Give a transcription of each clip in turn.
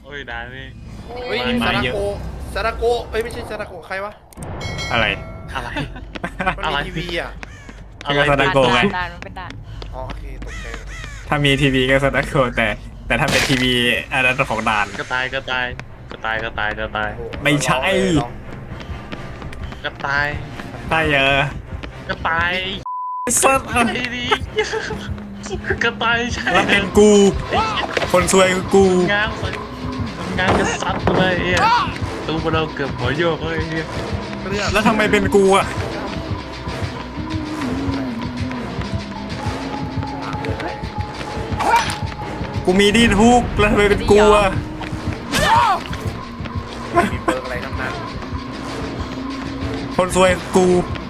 อ้ยด่านนี่เฮ้ยซาดาโกซาดาโกเอ้ยไม่ใช่ซาดาโกใครวะอะไรอะไรมันอะไรมีทีวีอ่ะอะไรซาดาโกไงด่านมันเป็นด่านอ๋อโอเคตกใจถ้ามีทีวีก็สตาร์โกแต่ถ้าเป็นทีวีอันนั้นของด่านกระต่ายกระต่ายกระต่ายกระต่ายกระต่ายโอ้โหไม่ใช่กระต่ายใช่กระต่ายสัตว์ไอ้ดีกระต่ายใช่แล้วเป็นกู คนซวยคือกูงานใส่งานกันซัดเลยไอ้ตัวเราเกือบหัวโยกเลยไอ้เหี้ยเรื่องแล้วทำไมเป็นกูอ่ะกูมีดีทุกแล้วทำไมเป็นกูอ่ะมีเบิร์กอะไรทั้งนั้นคนซวยคือกู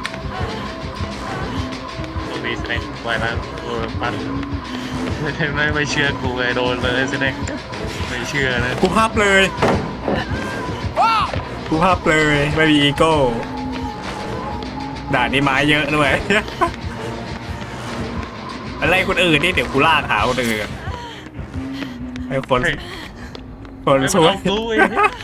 ตัวนี้แสดงไว้แล้วตัวปั้นไม่เชื่อกูไงโดนเลยแสดงไม่เชื่อนะกูภาพเลยกูภาพเลยไม่มีอีโก้ด่านนี้ไม้เยอะด้วย อะไรคนอื่นนี่เดี๋ยวกูลากหาคนอื่นไอ้คนสวยรู้ไอ้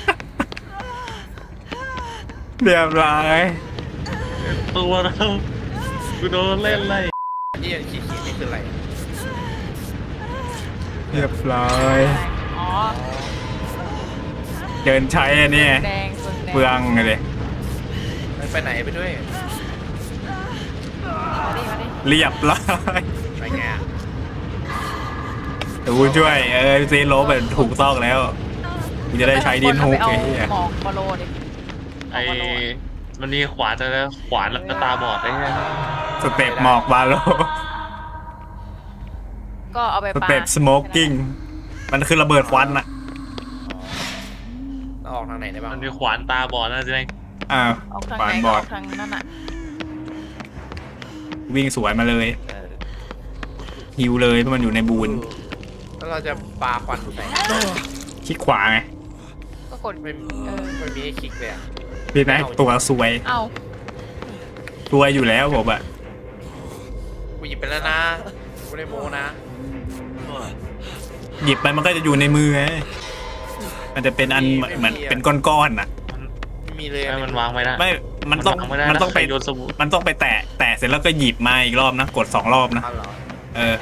เรียบร้อยตัวเรากูโดนเล่นไล่นี่ขีดนี่คืออะไรเรียบร้อยอ๋อเดินใช้อันนี้แดงส่วนแดงเปลืองเลยไปไหนไปด้วยมาดิมาดิเรียบร้อยไปไงอะเดี๋ยวกูช่วยซีโร่แบบถูกต้องแล้วกูจะได้ใช้ดินฮุกเอาไอ้เหี้ยหมอกมาโลดิไอ้มันมีขวานแล้วขวานแล้วก็ตาบอดไอ้เงี้ยสเต็ปหมอกบาโลก็เอาไปสปาเต็ปสโมกกิ้งมันคือระเบิดควันอะเราออกทางไหนได้บ้างมันมีขวานตาบอดนะแสดงอ้าวออกทางขวาไหนนบก็ออดอกทางนั่นน่ะวิ่งสวนมาเลยฮิวเลยเพราะมันอยู่ในบูนแล้วเราจะปาควันใส่คลิกขวาไงก็กดไม่เออไม่มีให้คลิกเลยอ่ะพี่นะตัวซวยเอ้าซวยอยู่แล้วผมอะกูหยิบไปแล้วนะกูไม่ได้โมนะหยิบไปมันก็จะอยู่ในมือไงมันจะเป็นอันเหมือนเป็นก้อนๆน่ะไม่มีเลยให้มันวางไม่ได้ไม่มันต้องวางไม่ได้มันต้องไปโยนสบู่มันต้องไปแตะเสร็จแล้วก็หยิบมาอีกรอบนะกด2 รอบนะเอาเหรอเออ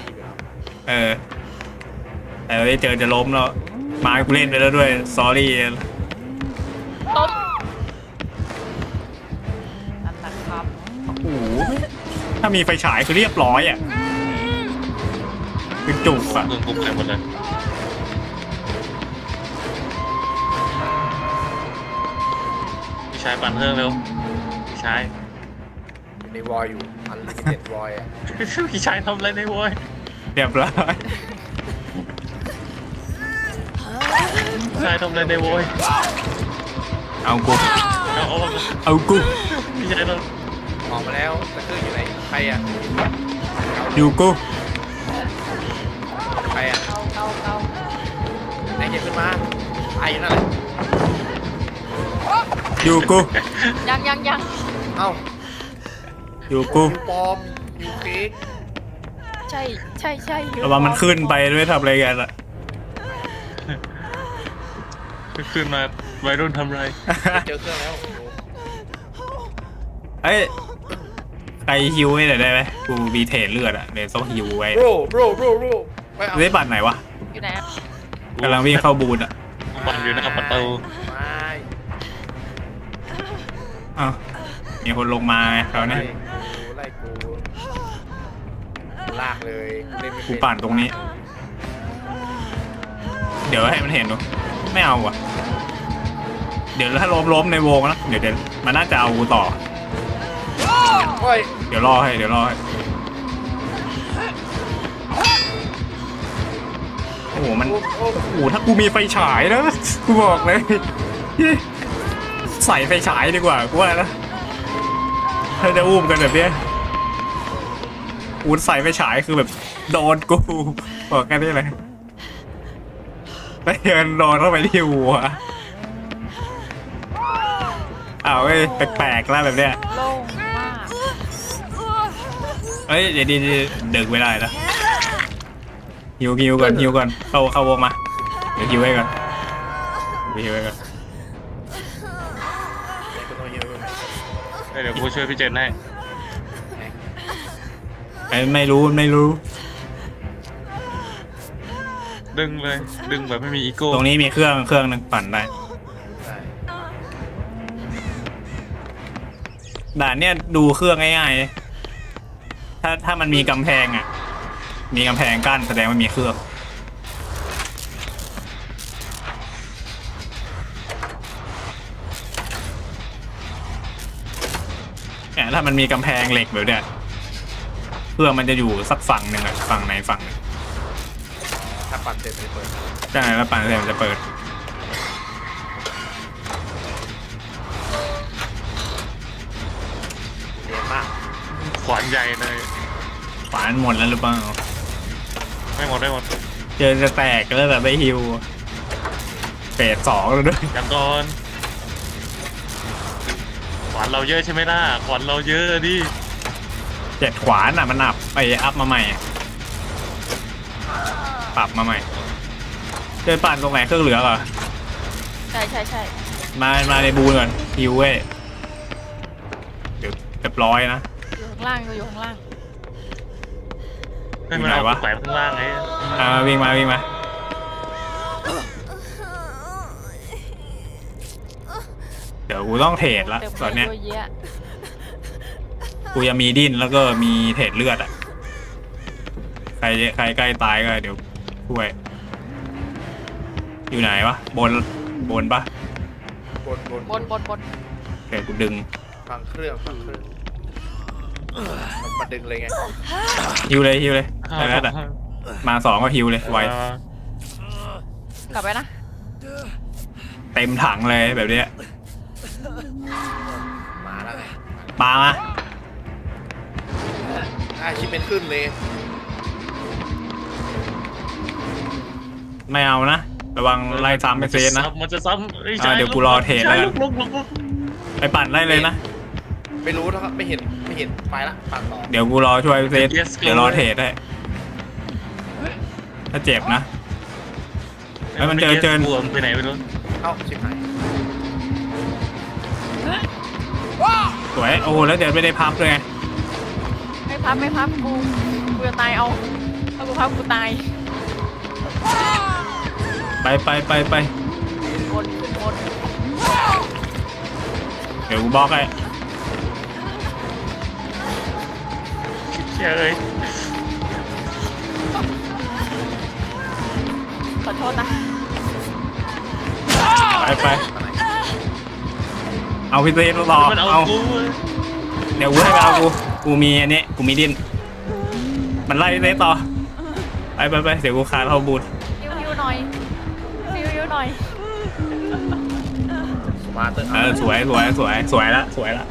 แต่ไม่เจอจะล้มแล้วมากูเล่นไปแล้วด้วย sorry ต้มนั่นนะครับโอ้โหถ้ามีไฟฉายคือเรียบร้อยอ่ะคือจุกอ่ะเครื่องปุ๊บไปหมดเลยพี่ชายปั่นเครื่องเร็วพี่ชายในวอยอยู่อันลิมิเต็ดวอยอ่ะพี่ชายทำอะไรในโว้ยเรียบร้อยพี่ชายทำอะไรในโว้ยเอากูเอาเอากูพี่ชายทออกมาแล้วแต่เครื่องอยู่ไหนใครอ่ะอยู่กูใครอ่ะเอาไหนเก็บขึ้นมาไอ้อยู่นั่นแหละอยู่กูยังเอ้าอยู่กูยูปลอมยูเค้กใช่อยู่ระวังมันขึ้นไปด้วยทำอะไรกันอ่ะำขึ้นมาวัยรุ่นทำไรเจอเครื่องแล้วเอ้ยใครฮิวให้หน่อยได้ไหมกูมีเทรดเลือดอ่ะเดี๋ยวต้องฮิวไว้โรไม่เอาได้บัตรไหนวะอยู่ไหนอะกำลังวิ่งเข้าบูนอ่ะปั่นอยู่หน้าประตูไม่อ้าวมีคนลงมาไงคราวนี้ไล่กูลากเลยเล่นไม่กูเป็นปั่นตรงนี้ เดี๋ยวให้มันเห็นดูไม่เอาอ่ะ เดี๋ยวถ้าล้มในวงนะเดี๋ยวมันน่าจะเอากูต่อโอ้ยเดี๋ยวรอให้โอ้โหมันโอ้โอ้โหถ้ากูมีไฟฉายนะกูบอกเลยใส่ไฟฉายดีกว่ากูว่านะถ้าจะอุ้มกันแบบเนี้ยอูดใส่ไฟฉายคือแบบโดนกูบอกแค่นี้เลยแล้วเดินโดนเข้าไปที่หัวอ้าวเอ้ยแปลกๆแล้วแบบเนี้ยโล่งมากเอ้ยเดี๋ยวดึกไม่ได้นะฮิวก่อนเข้าวงมาเดี๋ยวฮิวให้ก่อนไปฮิวไว้ก่อนเดี๋ยวกูต้องเยอะไหมเดี๋ยวกูช่วยพี่เจนให้ไม่รู้ไม่รู้ดึงเลยดึงแบบไม่มีอีโก้ตรงนี้มีเครื่องหนึงปั่นได้ได้ด่านเนี่ยดูเครื่องง่ายๆถ้ามันมีกำแพงอ่ะ มีกำแพงกั้นแสดงว่ามีเครื่องเนี่ยถ้ามันมีกำแพงเหล็กแบบเนี้ยเครื่องมันจะอยู่สักฝั่งหนึ่งอ่ะฝั่งไหนฝั่งหนึ่งถ้าปั่นเสร็จไม่เปิดใช่แล้วปั่นเสร็จมันจะเปิดเรียนมากขวานใหญ่เลยฝานหมดแล้วหรือเปล่าไม่หมดได้หมดเจอจะแตกแล้วแบบไม่ฮิวเฟส2แล้วด้วยยังก่อนขวานเราเยอะใช่ไหมล่ะขวานเราเยอะดิ 7 ขวานอ่ะมันอัพมาใหม่อะปรับมาใหม่เจอปั่นตรงไหนเครื่องเหลือเหรอใช่ใช่ใช่มาในบูนก่อนฮิวเว้ยเดี๋ยวเรียบร้อยนะอยู่ข้างล่างอยู่ข้างล่างให้มันเอาแขวนข้างล่างไงวิ่งมาเดี๋ยวกูต้องเทรดละเต็มตอนเนี้ยเยอะกูยังมีดิ้นแล้วก็มีเทรดเลือดอ่ะใครใกล้ตายก็เดี๋ยวช่วยอยู่ไหนวะบนปะบนบนเดี๋ยวกูดึงฟังเครื่องมันดึงเลยไงฮิวเลยได้แล้วอ่ะมา2ก็ฮิวเลยไวกลับไปนะเต็มถังเลยแบบเนี้ยมาแล้วไงมาชิปเป็นขึ้นเลยไม่เอานะระวังไล่ซ้ำไปเซนนะมันจะซ้ำไอ้ชายเดี๋ยวกูรอเทรดแล้วกันลุกไปปั่นไล่เลยนะไม่รู้นะครับไม่เห็นไปละปั่นต่อเดี๋ยวกูรอช่วยเซนเดี๋ยวรอเทรดให้ถ้าเจ็บนะ แล้วมันเจอบวมไปไหนไม่รู้เอ้าชิบหายสวยโอ้โหแล้วเดี๋ยวไม่ได้พับเลยไงไม่พับกูจะตายเอาถ้ากูพับกูตายไปบนขึ้นบนเดี๋ยวกูบล็อกให้เชี่ยเอ้ยขอโทษนะไปเอาพี่เซนต่อมันเอาเอากูเดี๋ยวกูให้เอากูมีอันนี้กูมีดิ้นมันไล่พี่เซนต่อไปเดี๋ยวกูคาเข้าบูทฮิวหน่อยฮิวหน่อยมาเตอร์สวยละ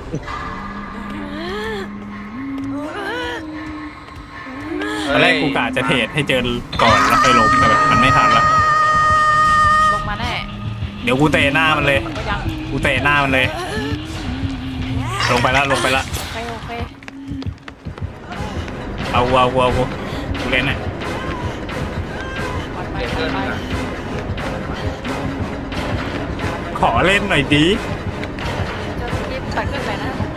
ตอนแรกกูกะจะเทรดให้เจอก่อนแล้วไปล้มแต่แบบมันไม่ทันละลงมาแน่เดี๋ยวกูเตะหน้ามันเลยก็ยังกูเตะหน้ามันเลย ลงไปละโอเคเอากูเล่นน่ะปัดไปขอเล่นหน่อยดีจะรีบตัดขึ้นไปนะโอเค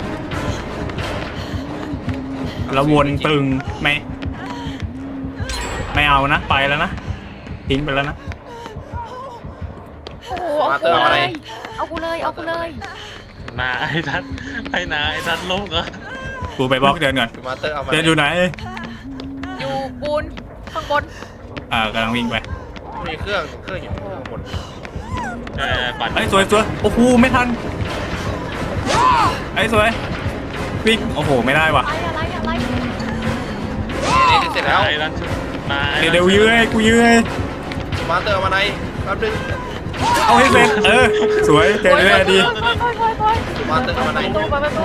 แล้ววนตึงไม่เอานะไปแล้วนะทิ้งไปแล้วนะโอ้โหเอากูเลยนาไอ้ทัดล้มก็กูไปบล็อกเดินก่อนมาเตอร์เอามาเดินอยู่ไหนอยู่ปูนข้างบนกำลังวิ่งไปมีเครื่องอยู่ข้างบนปั่นไอ้สวยโอ้โหไม่ทันไอ้สวยวิ่งโอ้โหไม่ได้ว่ะอะไรนี่เสร็จแล้วไอ้รันชุดนาเดี๋ยวยื้อให้กูยื้อให้มาเตอร์เอามาไหนแป๊บนึงเอาให้เสร็จสวยเจอได้ดีมาเตอร์เอามาไหนประตู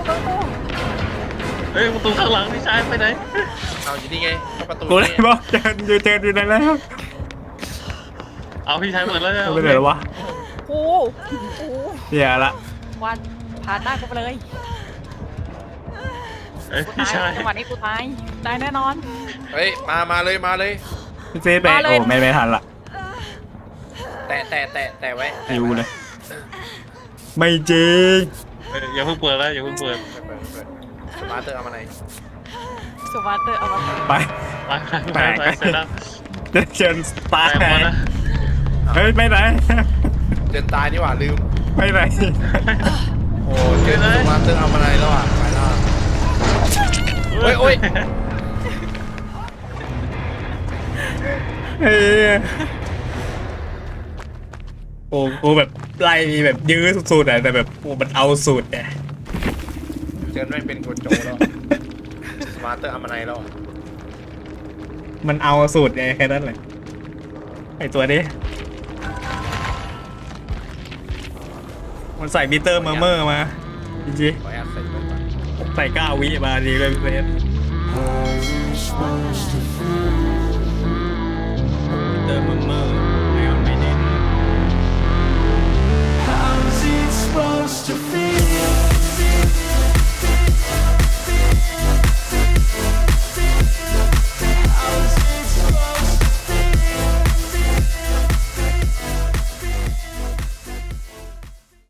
เฮ้ยประตูข้างหลังพี่ชายไปไหนเอาอยู่นี่ไงเข้าประตูกูเลยบอกเจออยู่ไหนแล้วเอาพี่ชายเปิดแล้วเอาไปไหนแล้ววะโอ้โหเดี๋ยวละวันผ่านหน้ากูไปเลยเอ้ยกูพี่ตายชายจังหวะนี้กูตายแน่นอนเฮ้ยมาเลยพี่เซฟไปโอ้ไม่ทันละแตะแต่ไว้หิวเลย ไม่จริงอย่าเพิ่งเปิดแล้วอย่าเพิ่งเปิดสมาร์เตอร์เอามาไหนสวัสดีเอามาไปไปเสร็จแล้วเชิญตายไปหมดนะเฮ้ยไปไหนเจนตายนี่หว่าลืมไปไหนโอ้เจนสมาร์เตอร์เอามาไหนแล้วอ่ะไปแล้วโอ้ยเฮ้ยโอ้แบบไล่มีแบบยื้อสุดๆอ่ะแต่แบบโอ้มันเอาสุดอ่ะเจนไม่เป็นคนโจแล้วสมาร์เตอร์เอามาไหนแล้วมันเอาสุดไงแค่นั้นแหละไอตัวนี้มันใส่มิเตอร์เมอร์มาจริงขอแอบใส่ก่อนๆใส่9 วิมาดีเลยพี่เฟส